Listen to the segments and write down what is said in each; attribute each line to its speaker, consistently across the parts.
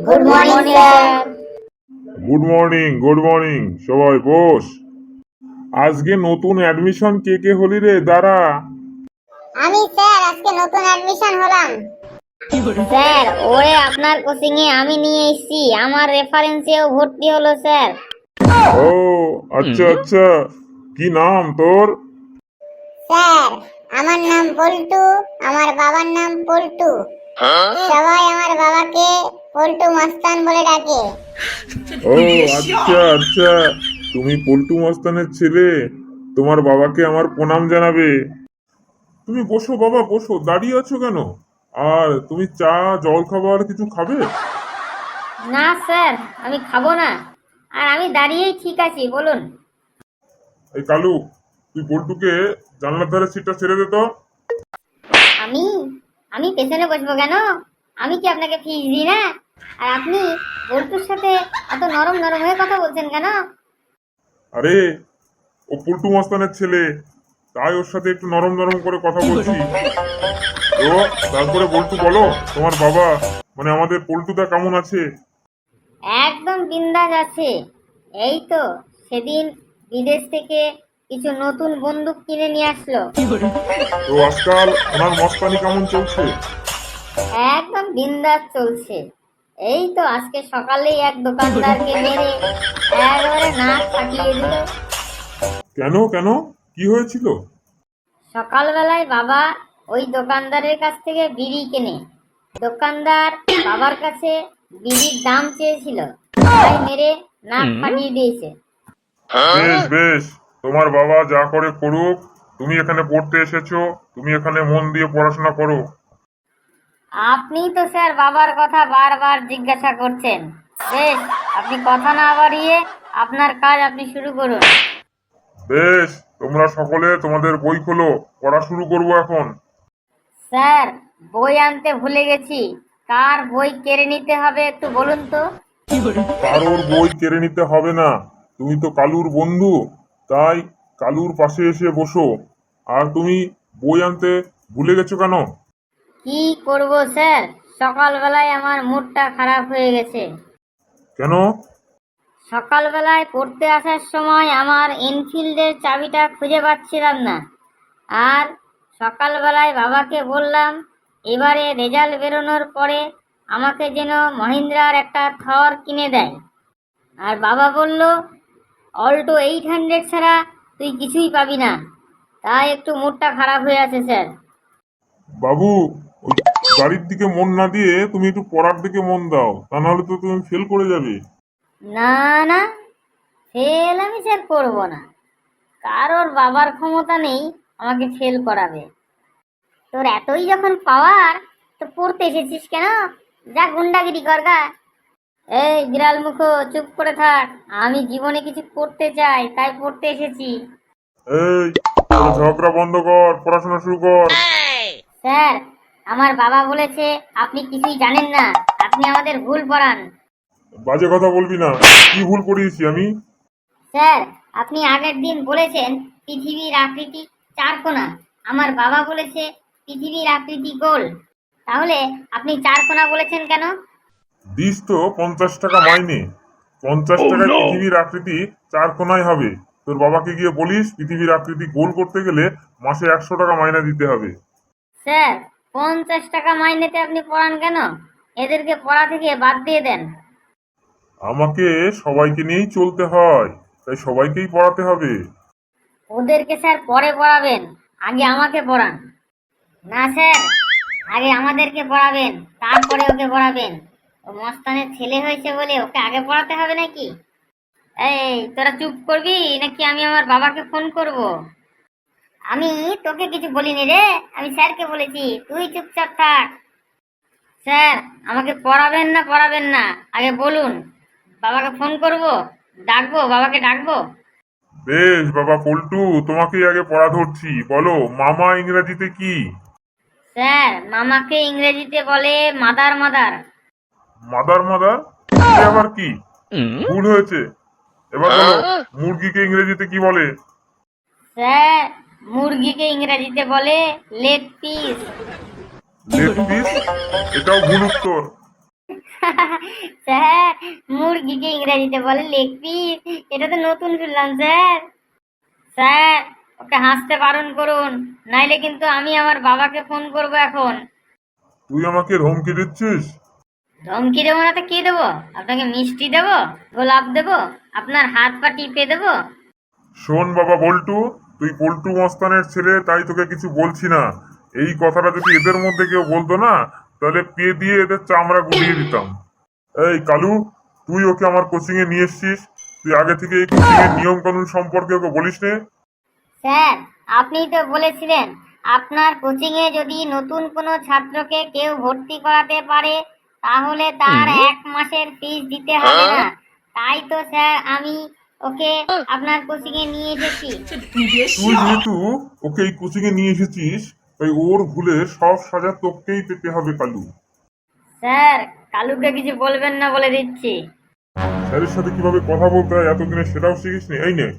Speaker 1: Good morning sir.
Speaker 2: Good morning সবাই boss. আজকে নতুন অ্যাডমিশন কে কে হলি রে? দাঁড়া।
Speaker 1: আমি স্যার আজকে নতুন অ্যাডমিশন হলাম। স্যার ওরে আপনার কোচিং এ আমি নিয়ে এসেছি, আমার রেফারেন্সেও ভর্তি হলো স্যার।
Speaker 2: ও আচ্ছা আচ্ছা, কি নাম তোর?
Speaker 1: স্যার আমার নাম পল্টু, আমার বাবার নাম পল্টু। সবাই আমার বাবাকে পল্টু মস্তান বলে ডাকে।
Speaker 2: ও আচ্ছা আচ্ছা, তুমি পল্টু মস্তানের ছেলে, তোমার বাবাকে আমার প্রণাম জানাবে। তুমি বসো বাবা, বসো, দাঁড়িয়ে আছো কেন? আর তুমি চা জল খাবার কিছু খাবে?
Speaker 1: না স্যার আমি খাবো না, আর আমি দাঁড়িয়েই ঠিক আছি, বলুন।
Speaker 2: এই কালু, তুই পল্টুকে জানলার ধারে সিটটা ছেড়ে দে তো।
Speaker 1: আমি আমি পেছনে বসবো কেন? আমি কি আপনাকে ফিস দিই না? আর আপনি পল্টুর সাথে এত নরম নরম হয়ে কথা বলছেন কেন?
Speaker 2: আরে ও পল্টু মস্তানের ছেলে, তাই ওর সাথে একটু নরম নরম করে কথা বলছি। তো তারপরে পল্টু বলো, তোমার বাবা মানে আমাদের পল্টুদা কেমন আছে?
Speaker 1: একদম বিন্দাস আছে। এই তো সেদিন বিদেশ থেকে কিছু নতুন বন্দুক কিনে নিয়ে আসলো।
Speaker 2: তো আজকাল ওনার মস্তানি কেমন চলছে?
Speaker 1: একদম বিন্দাস চলছে। এই তো আজকে সকালেই এক দোকানদারকে মেরে একেবারে নাক ফাটিয়ে দিল।
Speaker 2: কেন কেন, কি হয়েছিল?
Speaker 1: সকালবেলায় বাবা ওই দোকানদারের কাছ থেকে বিড়ি কেনে। দোকানদার বাবার কাছে বিড়ির দাম চেয়েছিল, তাই মেরে নাক ফাটিয়ে দিয়েছে।
Speaker 2: বেশ বেশ, তোমার বাবা যা করে করুক, তুমি এখানে পড়তে এসেছো, তুমি এখানে মন দিয়ে পড়াশোনা করো।
Speaker 1: আপনি তো স্যার বাবার কথা বারবার জিজ্ঞাসা করছেন। বেশ, আপনি কথা না বাড়িয়ে আপনার কাজ আপনি শুরু করুন।
Speaker 2: বেশ, তোমরা সকলে তোমাদের বই খোলো, পড়া শুরু করবো এখন।
Speaker 1: স্যার বই আনতে ভুলে গেছি, কার বই কেড়ে নিতে হবে একটু বলুন তো।
Speaker 2: কারোর বই কেড়ে নিতে হবে না, তুমি তো কালুর বন্ধু, তাই কালুর পাশে এসে বসো। আর তুমি বই আনতে ভুলে গেছো কেন?
Speaker 1: কি করব স্যার, সকালবেলায় আমার মুডটা খারাপ হয়ে গেছে।
Speaker 2: কেন?
Speaker 1: সকালবেলায় পড়তে আসার সময় আমার এনফিল্ডের চাবিটা খুঁজে পাচ্ছিলাম না। আর সকালবেলায় বাবাকে বললাম এবারে রেজাল্ট বেরোনোর পরে আমাকে যেন মহিন্দ্রার একটা থর কিনে দেয়। আর বাবা বলল অল্টো 800 ছাড়া তুই কিছুই পাবি না। তাই একটু মুডটা খারাপ হয়ে আছে স্যার।
Speaker 2: বাবু, ওই গাড়ির দিকে মন না দিয়ে তুমি একটু পড়ার দিকে মন দাও, তা নাহলে তো তুমি ফেল করে যাবে।
Speaker 1: না না, ফেল আমি স্যার করবো না। কারোর বাবার ক্ষমতা নেই আমাকে ফেল করাবে। তোর এতই যখন পাওয়ার, তো পড়তে এসেছিস কেন? যা গুন্ডাগিরি করগা। এই বিড়াল মুখো, চুপ করে থাক। আমি জীবনে কিছু করতে চাই, তাই পড়তে এসেছি।
Speaker 2: এই তোরা ঝগড়া বন্ধ কর, পড়াশোনা শুরু কর।
Speaker 1: স্যার আমার বাবা বলেছে আপনি কিছুই জানেন না, আপনি আমাদের ভুল পড়ান।
Speaker 2: বাজে কথা বলবি না, কি ভুল করিয়েছি আমি?
Speaker 1: স্যার আপনি আগের দিন বলেছেন পৃথিবীর আকৃতি চারকোনা, আমার বাবা বলেছে পৃথিবীর আকৃতি গোল। তাহলে আপনি চারকোনা বলেছেন কেন?
Speaker 2: দিস তো 50 টাকা মাইনে, 50 টাকায় পৃথিবীর আকৃতি চার কোনায় হবে। তোর বাবাকে গিয়ে বলিস পৃথিবীর আকৃতি গোল করতে গেলে মাসে 100 টাকা মাইনে দিতে হবে।
Speaker 1: স্যার 50 টাকা মাইনেতে আপনি পড়ান কেন? এদেরকে পড়া থেকে বাদ দিয়ে দেন।
Speaker 2: আমাকে সবাইকে নিয়েই চলতে হয়, তাই সবাইকেই পড়াতে হবে।
Speaker 1: ওদেরকে স্যার পরে পড়াবেন, আগে আমাকে পড়ান। না স্যার, আগে আমাদেরকে পড়াবেন, তারপরে ওকে পড়াবেন। ও মস্তানের ছেলে হয়েছে বলে ওকে আগে পড়াতে হবে নাকি? এই তোরা চুপ করবি নাকি আমি আমার বাবাকে ফোন করব? আমি তোকে কিছু বলিনি রে, আমি স্যারকে বলেছি, তুই চুপচাপ থাক। স্যার আমাকে পড়াবেন না পড়াবেন না আগে বলুন। বাবাকে ফোন করব, ডাকবো, বাবাকে ডাকবো?
Speaker 2: বেশ বাবা পল্টু, তোমাকেই আগে পড়া ধরছি, বলো মামা ইংরেজিতে কি?
Speaker 1: স্যার মামাকে ইংরেজিতে বলে মাদার মাদার।
Speaker 2: Mother mother? এ আবার কি? ভুল হয়েছে, এবার বলো মুরগিকে ইংরেজিতে কি বলে?
Speaker 1: স্যার মুরগিকে ইংরেজিতে বলে লেগ পিস।
Speaker 2: Leg piece? এটাও ভুল উত্তর।
Speaker 1: স্যার, মুরগিকে ইংরেজিতে বলে লেগ পিস। এটা তো নতুন শুনলাম স্যার। স্যার, ওকে হাসতে বারণ করুন, নাইলে কিন্তু আমি আমার বাবাকে ফোন করব এখন।
Speaker 2: তুই আমাকে ধমকি দিচ্ছিস?
Speaker 1: ধমকি দেবো না তো কি দেবো? আপনাকে মিষ্টি দেবো, গোলাপ দেবো, আপনার হাত পা টিপে দেবো?
Speaker 2: শোন বাবা বল্টু, তুই পল্টু মস্তানের ছেলে, তাই তোকে কিছু বলছি না। এই কথাটা যদি এদের মধ্যে কেউ বলতো না, তাহলে পে দিয়ে এদের চামড়া গুলিয়ে দিতাম। এই কালু, তুই ওকে আমার কোচিং এ নিয়ে এসছিস, তুই আগে থেকে এই কোচিং এর নিয়ম কানুন সম্পর্কে ওকে বলিস নে?
Speaker 1: স্যার, আপনিই তো বলেছিলেন আপনার কোচিংয়ে যদি নতুন কোনো ছাত্রকে কেউ ভর্তি করাতে পারে তাহলে তার 1 মাসের ফিস দিতে হবে না। তাই তো স্যার আমি ওকে আপনার কোচিংয়ে নিয়ে এসেছি।
Speaker 2: তুই যেহেতু ওকে এই কোচিং এ নিয়ে এসেছিস, তাই ওর ভুলে সব সাজা তোকেই পেতে হবে কালু।
Speaker 1: স্যার, কালুকে কিছু বলবেন না বলে দিচ্ছি।
Speaker 2: স্যারের সাথে কিভাবে কথা বলতে হয় এতদিনে সেটাও শিখিসনি? এই নে।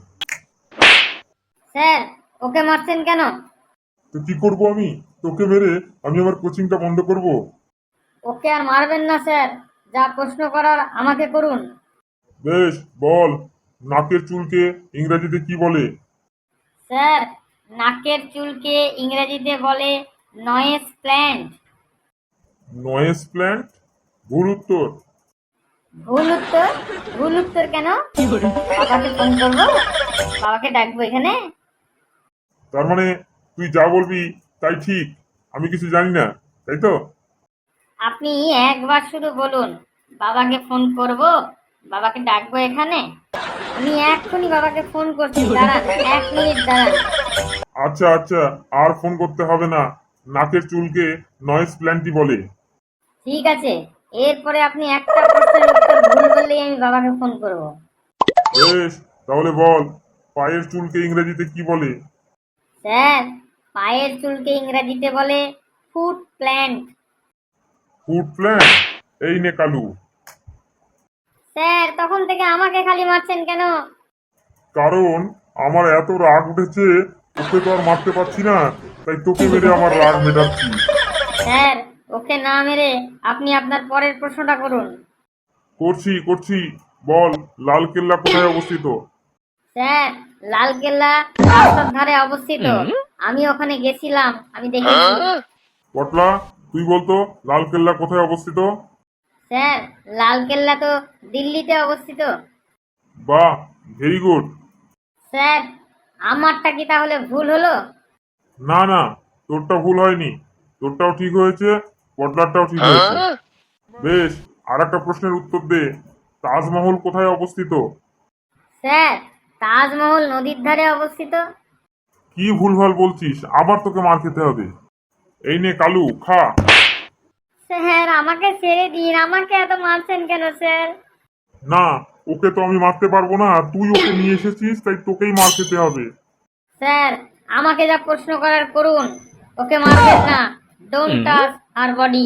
Speaker 1: স্যার, ওকে মারছেন কেন?
Speaker 2: তো কি করব আমি? তোকে মেরে আমি আমার কোচিংটা বন্ধ করব?
Speaker 1: ওকে আর মারবেন না স্যার, যা প্রশ্ন করার আমাকে করুন।
Speaker 2: বেশ, বল, নাকের চুলকে ইংরেজিতে কি বলে?
Speaker 1: স্যার, নাকের চুলকে ইংরেজিতে বলে নয়েজ প্ল্যান্ট।
Speaker 2: Noise plant? ভুল উত্তর।
Speaker 1: ভুল উত্তর? ভুল উত্তর কেন? বাবাকে ফোন করবো, বাবাকে ডাকবো এখানে।
Speaker 2: তার মানে তুই যা বলবি তাই ঠিক, আমি কিছু জানি না, তাই তো?
Speaker 1: আপনি একবার শুধু বলুন বাবাকে ফোন করব, বাবাকে ডাকবো এখানে। আমি এক্ষুনি বাবাকে ফোন করছি, দাঁড়ান, 1 মিনিট দাঁড়ান।
Speaker 2: আচ্ছা আচ্ছা, আর ফোন করতে হবে না। নাকের চুলকে নয়েজ প্ল্যান্টই বলে।
Speaker 1: ঠিক আছে, এরপরে আপনি একটা প্রশ্নের উত্তর ভুল বললেই আমি বাবাকে ফোন করব।
Speaker 2: বেশ, তাহলে বল, পায়ের চুলকে ইংরেজিতে কি বলে?
Speaker 1: স্যার, পায়ের চুলকে ইংরেজিতে বলে ফুট প্ল্যান্ট।
Speaker 2: Foot plant? এই নে কালু।
Speaker 1: স্যার, তখন থেকে আমাকে খালি মারছেন কেন?
Speaker 2: কারণ আমার এত রাগ উঠেছে, ওকে তো আর মারতে পারছি না, তাই তোকে মেরে আমার রাগ মেটাচ্ছি।
Speaker 1: স্যার, ওকে না মেরে আপনি আপনার পরের প্রশ্নটা করুন।
Speaker 2: করছি করছি, বল, লালকেল্লা কোথায় অবস্থিত?
Speaker 1: স্যার, লালকেল্লা রাস্তার ধারে অবস্থিত। আমি ওখানে গেছিলাম, আমি দেখেছি।
Speaker 2: পটলা, তুই বলতো লালকেল্লা কোথায় অবস্থিত?
Speaker 1: স্যার, লালকেল্লা তো দিল্লিতে অবস্থিত।
Speaker 2: বাহ, ভেরি গুড।
Speaker 1: স্যার, আমারটা কি তাহলে ভুল হলো?
Speaker 2: না না, তোরটা ভুল হয়নি, তোরটাও ঠিক হয়েছে, পটলারটাও ঠিক হয়েছে। বেশ, আর একটা প্রশ্নের উত্তর দে, তাজমহল কোথায় অবস্থিত?
Speaker 1: স্যার, তাজমহল নদীর ধারে অবস্থিত।
Speaker 2: কি ভুলভাল বলছিস, আবার তোকে মার খেতে হবে। এই নে কালু, খা।
Speaker 1: স্যার, আমাকে ছেড়ে দিন, আমাকে এত মারছেন কেন স্যার?
Speaker 2: না, ওকে তো আমি মারতে পারবো না, তুই ওকে নিয়ে এসেছিস, তাই তোকেই মার খেতে হবে।
Speaker 1: স্যার, আমাকে যা প্রশ্ন করার করুন, ওকে মারবেন না। Don't touch her body.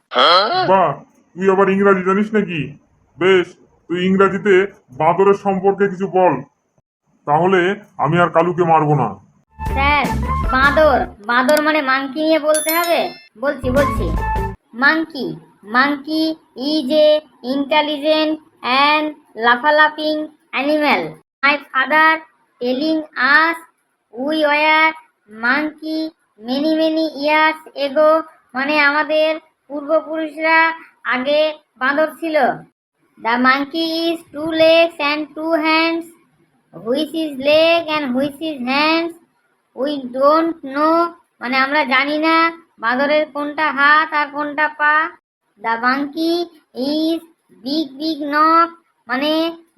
Speaker 2: বাহ, তুই আবার ইংরাজি জানিস নাকি? বেশ, তুই ইংরাজিতে বাঁদরের সম্পর্কে কিছু বল, তাহলে আমি আর কালুকে মারবো না।
Speaker 1: স্যার, বাঁদর, বাঁদর মানে মাংকি নিয়ে বলতে হবে। বলছি বলছি। Monkey, monkey is a intelligent and লাফালাফিং animal. My father telling us we were monkey many many years ago, মানে আমাদের পূর্বপুরুষরা আগে বাঁদর ছিল। The monkey is 2 legs and 2 hands, which is leg and which is hands. We don't know, মানে আমরা জানি না বাঁদরের কোনটা হাত আর কোনটা পা। The monkey is big big নখ, মানে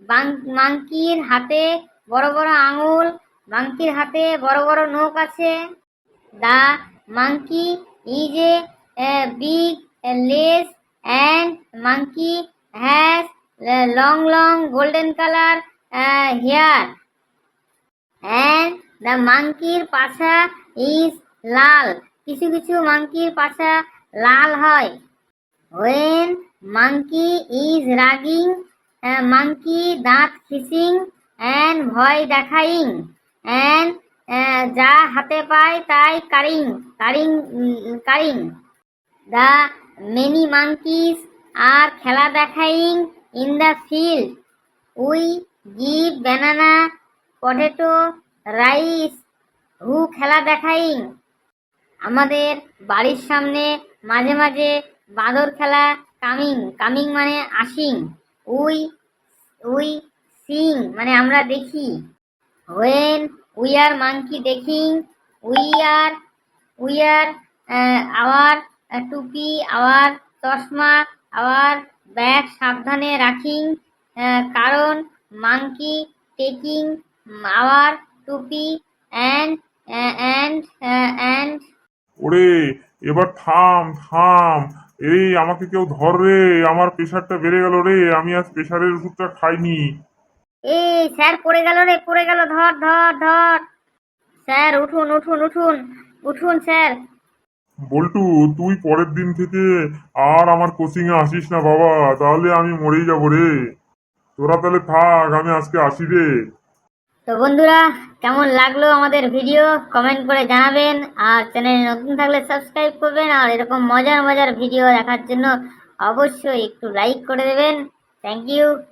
Speaker 1: মাংকির হাতে বড় বড় আঙুল, মাংকির হাতে বড় বড় নখ আছে। The monkey is a big less and monkey has long long golden colour hair and the মাংকির পাছা ইজ লাল। কিছু কিছু মাংকির পাছা লাল হয়। হোয়েন মাংকি ইজ রাগিং, মাংকি দাঁত খিসিং অ্যান্ড ভয় দেখাইং অ্যান্ড যা হাতে পায় তাই কারিং কারিং কারিং। দ্য মেনি মাংকিস আর খেলা দেখাইং in the field. We give banana, potato, rice. Who খেলা দেখাইং। আমাদের বাড়ির সামনে মাঝে মাঝে বাঁদর খেলা কামিং, কামিং মানে আসিং। উই উই সিং মানে আমরা দেখি। হোয়েন উই আর মাংকি দেখিং, we are we are our টুপি, আওয়ার চশমা, আওয়ার ব্যাগ সাবধানে রাখিং, কারণ মাংকি টেকিং আওয়ার টুপি অ্যান্ড অ্যান্ড অ্যান্ড।
Speaker 2: ওরে এবার থাম থাম। এই আমাকে কেউ ধর রে, আমার প্রেশারটা বেড়ে গেল রে, আমি আজ প্রেশারের ওষুধটা খাইনি।
Speaker 1: এই স্যার পড়ে গেল রে, পড়ে গেল, ধর ধর ধর। স্যার উঠুন উঠুন উঠুন উঠুন স্যার।
Speaker 2: বল্টু, তুই পরের দিন থেকে আর আমার কোচিং এ আসিস না বাবা, তাহলে আমি মরেই যাবো রে। তোরা তাহলে থাক, আমি আজকে আসি রে।
Speaker 1: তো বন্ধুরা, কেমন লাগলো আমাদের ভিডিও কমেন্ট করে জানাবেন, আর চ্যানেলে নতুন থাকলে সাবস্ক্রাইব করবেন, আর এরকম মজার মজার ভিডিও দেখার জন্য অবশ্যই একটু লাইক করে দেবেন। Thank you.